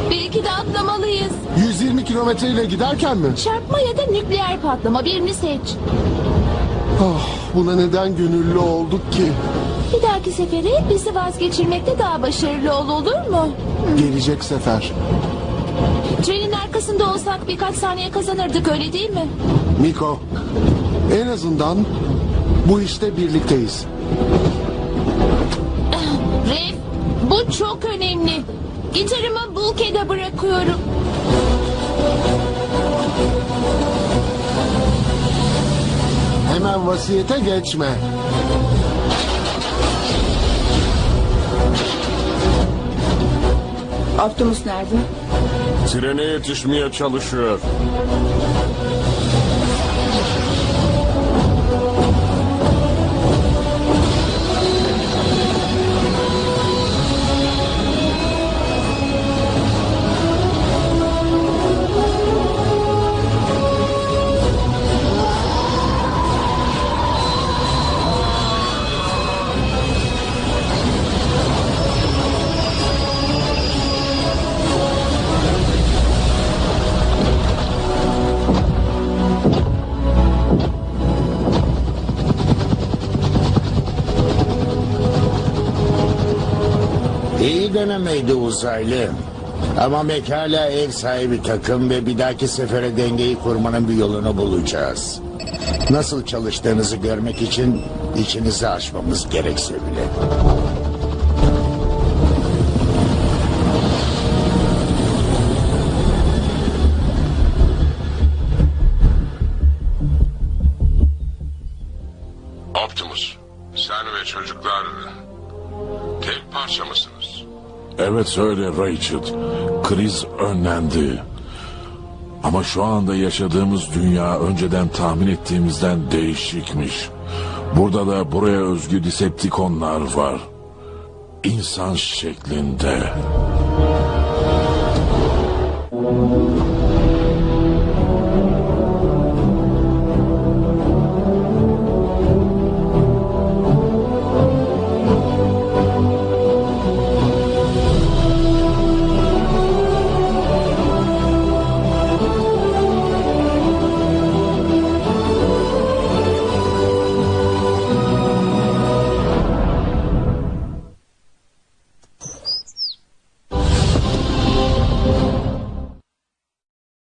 Belki de atlamalıyız. 120 kilometreyle giderken mi? Çarpma ya da nükleer patlama, birini seç. Buna neden gönüllü olduk ki? Bir dahaki sefere bizi vazgeçirmekte daha başarılı olur mu? Gelecek sefer. Trenin arkasında olsak birkaç saniye kazanırdık, öyle değil mi? Miko, en azından bu işte birlikteyiz. Ref, bu çok önemli. Gitarımı Bulkhead'e bırakıyorum. Hemen vasiyete geçme. Optimus nerede? Trene yetişmeye çalışıyor. İyi denemeydi uzaylı. Ama hala ev sahibi takım ve bir dahaki sefere dengeyi kurmanın bir yolunu bulacağız. Nasıl çalıştığınızı görmek için içinizi açmamız gerekse bile. Optimus, sen ve çocuklar tek parça mısınız? Evet öyle Rachel. Kriz önlendi. Ama şu anda yaşadığımız dünya önceden tahmin ettiğimizden değişikmiş. Burada da buraya özgü Decepticonlar var. İnsan şeklinde.